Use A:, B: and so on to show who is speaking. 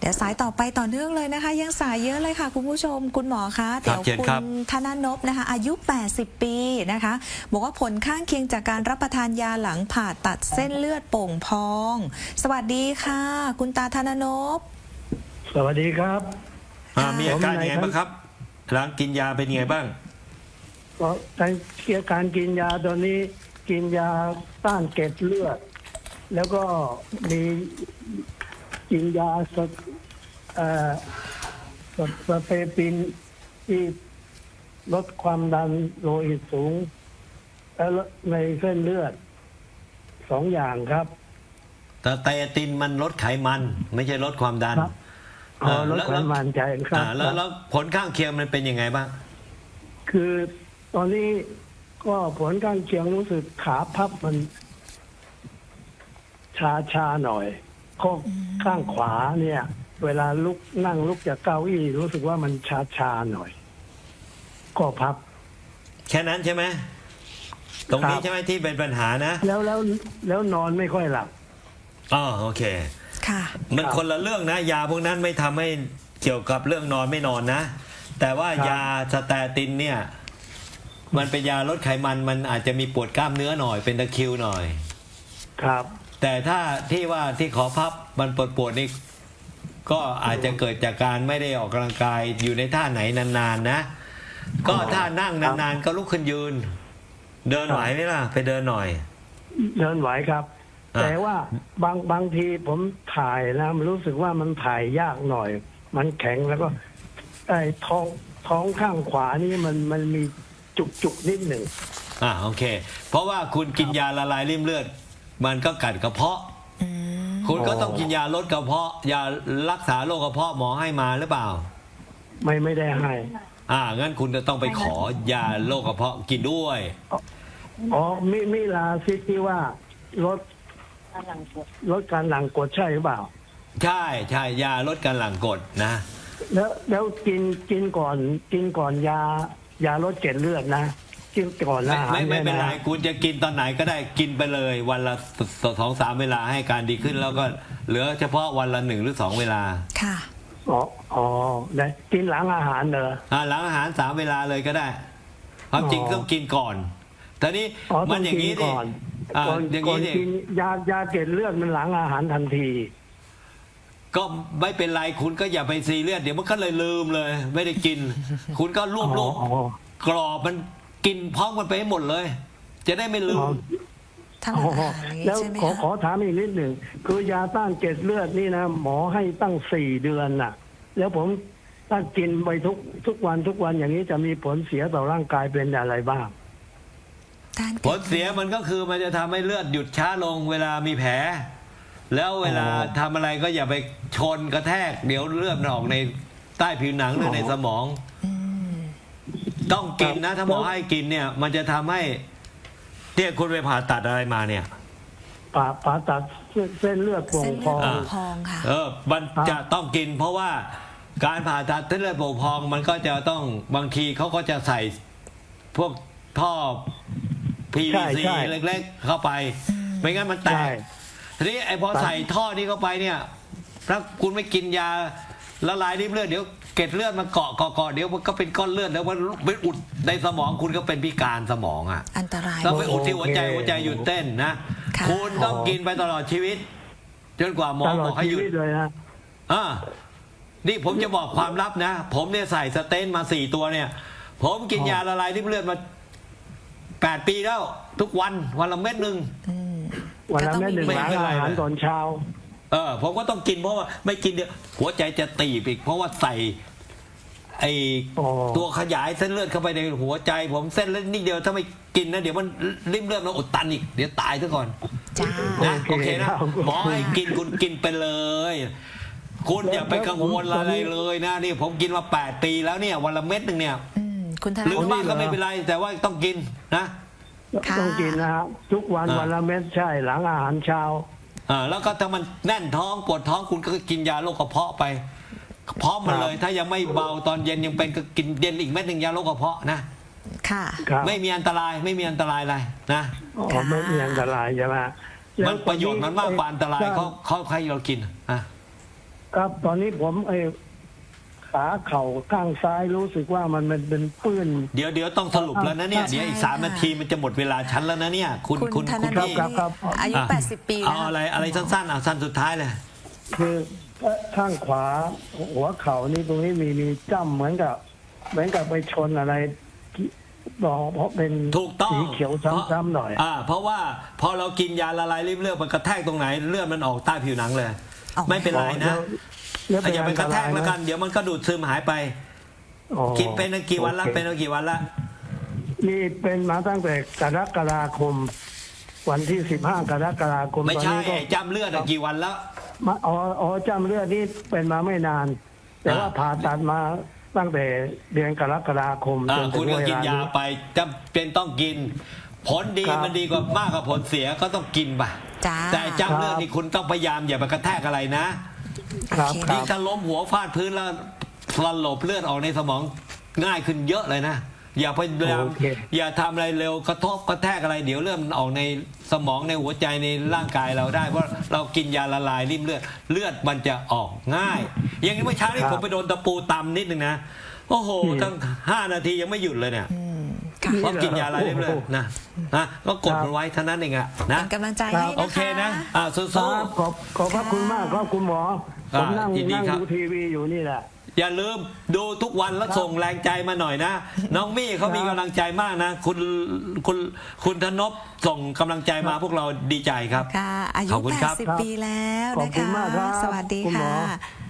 A: ดี๋ยวสายต่อไปต่อเนื่องเลยนะคะยังสายเยอะเลยค่ะคุณผู้ชมคุณหมอคะเดี๋ยวคุณธนนพนะคะอายุ80ปีนะคะบอกว่าผลข้างเคียงจากการรับประทานยาหลังผ่าตัดเส้นเลือดโป่งพอง สวัสดีค่ะคุณตาธนนพ
B: สวัสดีครับ
C: มีอาการยังไงบ้างครับหลังกินยาเป็นยังไงบ้าง
B: ก็การกินยาตอนนี้กินยาต้านเกล็ดเลือดแล้วก็มีกินยาสเตปินที่ลดความดันโลหิตสูงในเส้นเลือด2 อย่างครับ
C: แต่ไตตินมันลดไขมันไม่ใช่ลดความดัน
B: ลดไขมันใช่ครับ
C: แล้วผลข้างเคียงมันเป็นยังไงบ้าง
B: คือตอนนี้ก็ผลข้างเคียงรู้สึกขาพับมันชาหน่อยข้างขวาเนี่ย เวลานั่งลุกจากเก้าอี้รู้สึกว่ามันชาหน่อยก็พับ
C: แค่นั้นใช่ไหมตรงนี้ใช่ไหมที่เป็นปัญหานะ
B: แล้วนอนไม่ค่อยหลับ
C: โอเค
A: ค่ะ
C: มันคนละเรื่องนะยาพวกนั้นไม่ทำให้เกี่ยวกับเรื่องนอนไม่นอนนะแต่ว่ายาสเตตินเนี่ยมันเป็นยาลดไขมันมันอาจจะมีปวดกล้ามเนื้อหน่อยเป็นตะคริวหน่อย
B: ครับ
C: แต่ถ้าที่ขอพับมันปวดนี่ก็อาจจะเกิดจากการไม่ได้ออกกำลังกายอยู่ในท่าไหนนานๆนะก็ถ้านั่งนานๆก็ลุกขึ้นยืนเดินไหวไหมล่ะไปเดินหน่อย
B: เดินไหวครับแต่ว่าบางทีผมถ่ายนะมันรู้สึกว่ามันถ่ายยากหน่อยมันแข็งแล้วก็ไอ้ท้องข้างขวานี่มันมีจุกนิดหนึ่ง
C: โอเคเพราะว่าคุณกินยาละลายริ่มเลือดมันก็กัดกระเพาะคุณก็ต้องกินยาลดกระเพาะยารักษาโรคกระเพาะหมอให้มาหรือเปล่า
B: ไม่ได้ให้
C: งั้นคุณจะต้องไปขอยาโรคกระเพาะกินด้วย
B: มิลาซิดที่ว่าลดการหลั่งกรดใช่หรือเปล่า
C: ใช่ยาลดการหลั่งกรดนะ
B: แล้วกินก่อนยาลดเกล็ดเลือดนะกินก่อนอาหาร
C: ไม่เป็นไรคุณจะกินตอนไหนก็ได้กินไปเลยวันละ2-3 เวลาให้การดีขึ้นแล้วก็เหลือเฉพาะวันละ1 หรือ 2 เวลา
A: ค่ะ
B: ได้กินหลังอาหารเหรอ
C: หลังอาหาร3 เวลาเลยก็ได้ความจริงต้องกินก่อนแต่นี้มันอย่างนี้ดิ
B: อย่างนี้ดิยาเกล็ดเลือดมันหลังอาหารทันที
C: ก็ไม่เป็นไรคุณก็อย่าไปซีเรียสเดี๋ยวมันก็เลยลืมเลยไม่ได้กินคุณก็รวบกรอบมันกินพร้อมกันไปให้หมดเลยจะได้ไม่ลืม
B: แล้วขอถามอีกนิดหนึ่งคือยาต้านเกล็ดเลือดนี่นะหมอให้ตั้ง4 เดือนน่ะแล้วผมถ้ากินไปทุกวันอย่างนี้จะมีผลเสียต่อร่างกายเป็นอะไรบ้าง
C: ผลเสียมันก็คือมันจะทำให้เลือดหยุดช้าลงเวลามีแผลแล้วเวลาทำอะไรก็อย่าไปชนกระแทกเดี๋ยวเลือดออกในใต้ผิวหนังหรือในสมองต้องกินนะถ้าหมอให้กินเนี่ยมันจะทำให้เนี่ยคุณไปผ่าตัดอะไรมาเนี่ย
B: ผ่าตัดเส้นเลือดโป่งพอง
A: ค่ะ
C: มันจะต้องกินเพราะว่าการผ่าตัดเส้นเลือดโป่งพองมันก็จะต้องบางทีเขาก็จะใส่พวกท่อ PVC เล็กๆเข้าไปไม่งั้นมันแตกทีนี้พอใส่ท่อนี้เข้าไปเนี่ยถ้าคุณไม่กินยาละลายริ่มเลือดเดี๋ยวเกล็ดเลือดมันเกาะเดี๋ยวมันก็เป็นก้อนเลือดแล้วมันไปอุดในสมองคุณก็เป็นพิการสมอง
A: อันตราย
C: ต้องไปอุดที่หัวใจหยุดเต้นนะคุณต้องกินไปตลอดชีวิตจนกว่าหมอบอกให้หยุด
B: เลยนะ
C: นี่ผมจะบอกความลับนะผมเนี่ยใส่สเตนมา4 ตัวเนี่ยผมกินยาละลายริ่มเลือดมา8 ปีแล้วทุกวันละเม็ดนึง
B: วันละเม็ดนึงหลังอาหารตอนเช้า
C: ผมก็ต้องกินเพราะว่าไม่กินเดี๋ยวหัวใจจะตีบอีกเพราะว่าใส่ตัวขยายเส้นเลือดเข้าไปในหัวใจผมเส้นเลือดนิดเดียวถ้าไม่กินนะเดี๋ยวมันริ่มเลือดมันอุดตันอีกเดี๋ยวตายซะก่อนนะโอเคนะหมอให้กินคุณกินไปเลยคุณอย่าไปกังวลอะไรเลยนะนี่ผมกินมา8 ปีแล้วเนี่ยวันละเม็ดนึงเนี่ยหรือบ้างก็ไม่เป็นไรแต่ว่าต้องกินนะ
B: ต้องกินนะครับทุกวันละเม็ดใช่หลังอาหารเช้า
C: แล้วก็ถ้ามันแน่นท้องปวดท้องคุณก็กินยาโรคกระเพาะไปพร้อมมาเลยถ้ายังไม่เบาตอนเย็นยังเป็นก็กินเย็นอีกเม็ดนึงยาโรคกระเพาะนะ
A: ค่ะ
C: ไม่มีอันตรายอะไรนะ
B: ไม่มีอันตรายใช่ไหม
C: มันประโยชน์มันมากกว่าอันตรายเขาให้เรากิน
B: ครับตอนนี้ผมขาเข่าข้างซ้ายรู้สึกว่ามันเป็นปื้น
C: เดี๋ยวต้องสรุปแล้วนะเนี่ย
A: ใช่
C: เดี๋ยวอีก
A: ค่ะ
C: 3 นาทีมันจะหมดเวลาชั้นแล้วนะเนี่ยคุณ
A: คุณธนาโน
C: พี่
A: พ
B: ครับ
A: อายุ
C: อ่ะ
A: 80 ปี
C: เอา
A: แล้ว
C: อะไรสั้นๆสั้นสุดท้ายเลย
B: คือข้างขวาหัวเข่านี่ตรงนี้มีจ้ำเหมือนกับไปชนอะไรบอกเพราะเป็น
C: ถูกต้อง
B: สีเขียวซ้ำๆหน่อย
C: เพราะว่าพอเรากินยาละลายริ่มเลือดมันกระแทกตรงไหนเลือดมันออกใต้ผิวหนังเลย
A: อ๋อ
C: ไม่เป็นไรนะ
B: แล้ว
C: อย่าไปกระแทกแล้วกัน เดี๋ยวมันก็ดูดซึมหายไป
B: อ๋อ
C: กินเป็นกี่วันละ
B: โอค
C: เป็นกี่วันละ
B: นี่เป็นมาตั้งแต่กรกฎาคม วันที่15 กรกฎาคม
C: ไม่ใช่
B: ตอนนี้ก็
C: ไอ้จ้ำเลือดอะกี่วันแล้ว
B: จำเลือดนี่เป็นมาไม่นาน แต่ว่าผ่าตัดมาตั้งแต่เดือนกรกฎาคมจนถึ
C: คุณ
B: ง
C: ก็
B: เว
C: กิน
B: ลาย
C: า
B: นี้
C: ไปจำเป็นต้องกิน ผลดี
B: ครับ
C: มันดีกว่ามากกว่าผลเสียก็ต้องกินไป
A: จ้า
C: แต่จ้ำเลือดนี่คุณต้องพยายามอย่าไปกระแทกอะไรนะ
B: ครับ
A: โอเค
B: ครั
C: ยิ่ง
B: บ
C: ถ้าล้มหัวฟาดพื้นแล้วสลบเลือดออกในสมองง่ายขึ้นเยอะเลยนะ อย่าพยายาม
B: โอเค
C: อย่าทำอะไรเร็วกระทบกระแทกอะไร เดี๋ยวเลือดมันออกในสมองในหัวใจในร่างกายเราได้เพราะเรากินยาละลายริ่มเลือดมันจะออกง่าย อย่างนี้เมื่อเช้านี่ผมไปโดนตะปูตำนิดนึงนะโอ้โหตั้ง5 นาทียังไม่หยุดเลยเนี่ย
A: ค่ะ
C: เพราะกินยาอะไรเรื่อยๆนะก็กดมันไว้เท่านั้นเองอะนะ
A: เป็นกำลังใจให้
C: โอ
A: นะ
C: เค
A: คะ
C: นะสู้
B: ครับขอบพระคุณมากครับคุณหมอ ผมนั่ง
C: ยินดีครับ
B: ดูทีวีอยู่นี่แหละ
C: ๆอย่าลืมดูทุกวันแล้วส่งแรงใจมาหน่อยนะ น้องมี่เขามีกำลังใจมากนะ คุณธนพส่งกำลังใจมาพวกเราดีใจครับ
A: ค่ะ อายุ
C: ขอบคุณครับ
A: 80 ปีแล้ว
B: ขอบ
A: นะ
B: คุณ
A: คะ
B: มากครับ
A: สวัสดี
B: คุณหม
A: ค่ะ
B: อ